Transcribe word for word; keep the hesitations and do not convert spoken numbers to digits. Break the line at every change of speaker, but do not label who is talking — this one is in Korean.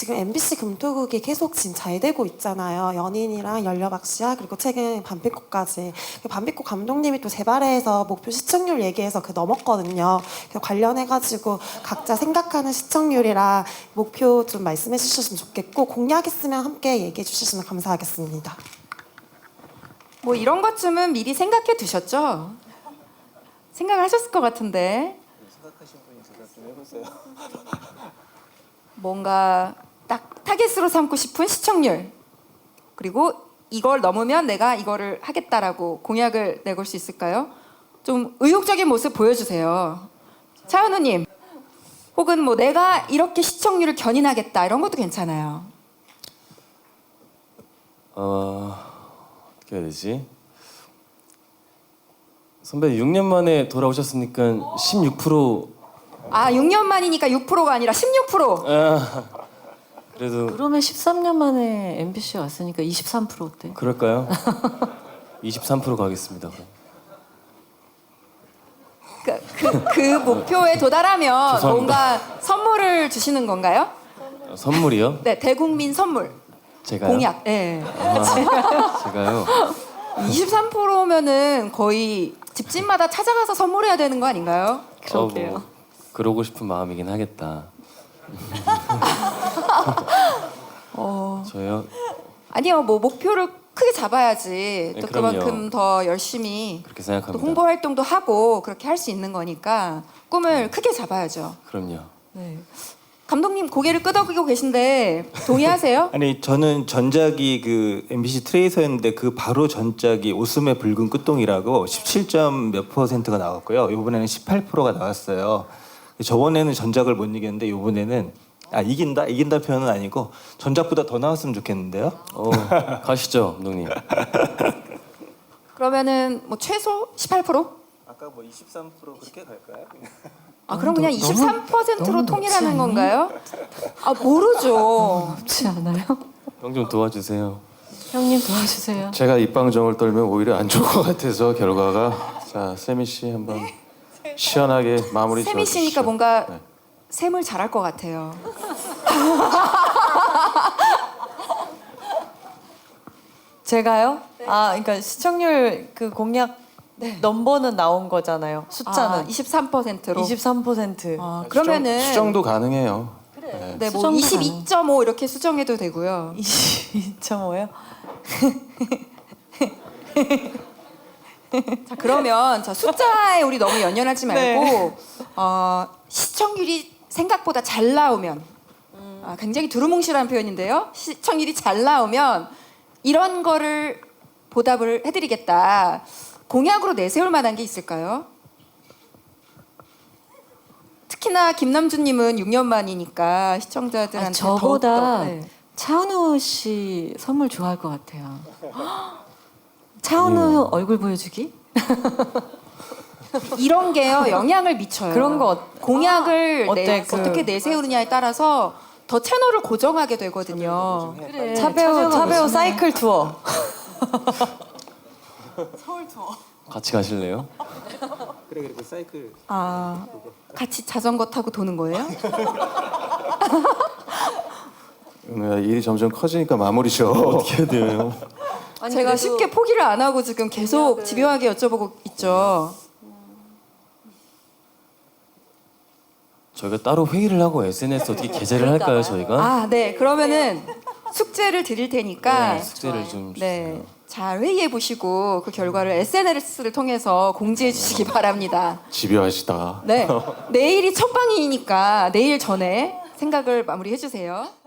지금 엠비씨 금토국이 계속 지금 잘 되고 있잖아요. 연인이랑 열려박씨야 그리고 최근 반피코까지. 반피코 감독님이 또 재발해서 목표 시청률 얘기해서 그 넘었거든요. 그래서 관련해가지고 각자 생각하는 시청률이랑 목표 좀 말씀해 주셨으면 좋겠고 공약 있으면 함께 얘기해 주시면 감사하겠습니다.
뭐 이런 것쯤은 미리 생각해 두셨죠? 생각을 하셨을 것 같은데.
생각하신 분이 대답 좀 해보세요.
뭔가 딱 타겟으로 삼고 싶은 시청률, 그리고 이걸 넘으면 내가 이거를 하겠다라고 공약을 내걸 수 있을까요? 좀 의욕적인 모습 보여주세요. 차은우님, 혹은 뭐 내가 이렇게 시청률을 견인하겠다 이런 것도 괜찮아요.
어... 어떻게 해야 되지? 선배 육 년 만에 돌아오셨으니까 십육 퍼센트.
아, 육 년 만이니까 육 퍼센트가 아니라 십육 퍼센트.
아, 그래도
그러면 십삼 년 만에 엠비씨 왔으니까 이십삼 퍼센트 어때?
그럴까요? 이십삼 퍼센트 가겠습니다. 그럼.
그, 그, 그 목표에 도달하면
죄송합니다.
뭔가 선물을 주시는 건가요?
어, 선물이요?
네, 대국민 선물.
제가요?
공약. 네.
아, 제가요?
이십삼 퍼센트면은 거의 집집마다 찾아가서 선물해야 되는 거 아닌가요?
그러게요.
어, 뭐, 그러고 싶은 마음이긴 하겠다.
어...
저요?
아니요, 뭐 목표를 크게 잡아야지
네,
또
그럼요.
그만큼 더 열심히
그렇게
또
생각합니다.
홍보 활동도 하고 그렇게 할 수 있는 거니까 꿈을 크게 잡아야죠.
그럼요.
네. 감독님 고개를 끄덕이고 계신데 동의하세요?
아니 저는 전작이 그 엠비씨 트레이서였는데 그 바로 전작이 오스의 붉은 끝동이라고 십칠 점 몇 퍼센트가 나왔고요. 이번에는 십팔 퍼센트가 나왔어요. 저번에는 전작을 못 이겼는데 이번에는 아 이긴다 이긴다 표현은 아니고 전작보다 더 나왔으면 좋겠는데요.
어, 가시죠, 감독님.
그러면은 뭐 최소 십팔 퍼센트?
아까 뭐 이십삼 퍼센트 그렇게 갈까요?
아 그럼 그냥
너무-
이십삼 퍼센트로
너무
통일하는
높지 않니?
건가요? 아 모르죠.
그렇지 않아요?
형 좀 도와주세요.
형님 도와주세요.
제가 입방정을 떨면 오히려 안 좋을 것 같아서 결과가. 자, 세미 씨 한번 시원하게 마무리
세미
지어주시죠.
씨니까 뭔가
네.
셈을 잘할 것 같아요.
제가요? 아, 그러니까 시청률 그 공약 넘버는 나온 거잖아요. 숫자는
아, 이십삼 퍼센트로.
이십삼 퍼센트.
아, 그러면은
수정, 수정도 가능해요. 네.
네, 뭐
수정도
이십이 점 오 이렇게 수정해도 되고요.
이십이 점 오요?
자, 그러면 저 숫자에 우리 너무 연연하지 말고
네.
어, 시청률이 생각보다 잘 나오면 아, 굉장히 두루뭉실한 표현인데요. 시청률이 잘 나오면 이런 거를 보답을 해드리겠다. 공약으로 내세울 만한 게 있을까요? 특히나 김남주님은 육 년 만이니까 시청자들한테
아니, 저보다
더욱더, 네.
차은우 씨 선물 좋아할 것 같아요. 차은우 얼굴 보여주기?
이런 게요 영향을 미쳐요.
그런 거 어-
공약을
어때?
내,
그-
어떻게 내세우느냐에 따라서 더 채널을 고정하게 되거든요.
그래.
차배우 차배우 사이클 투어.
같이 가실래요?
그래 그래 그 사이클.
아 같이 자전거 타고 도는 거예요?
은우야, 일이 점점 커지니까 마무리 줘.
어떻게 해야 돼요?
제가 쉽게 포기를 안 하고 지금 계속 집요하게 여쭤보고 있죠.
저희가 따로 회의를 하고 에스엔에스 어떻게 게재를 할까요, 저희가?
아, 네. 그러면은 숙제를 드릴 테니까
네, 숙제를 좀
네.
주세요.
잘 회의해 보시고 그 결과를 에스엔에스를 통해서 공지해 주시기 바랍니다.
집요하시다.
네. 내일이 첫 방이니까 내일 전에 생각을 마무리해 주세요.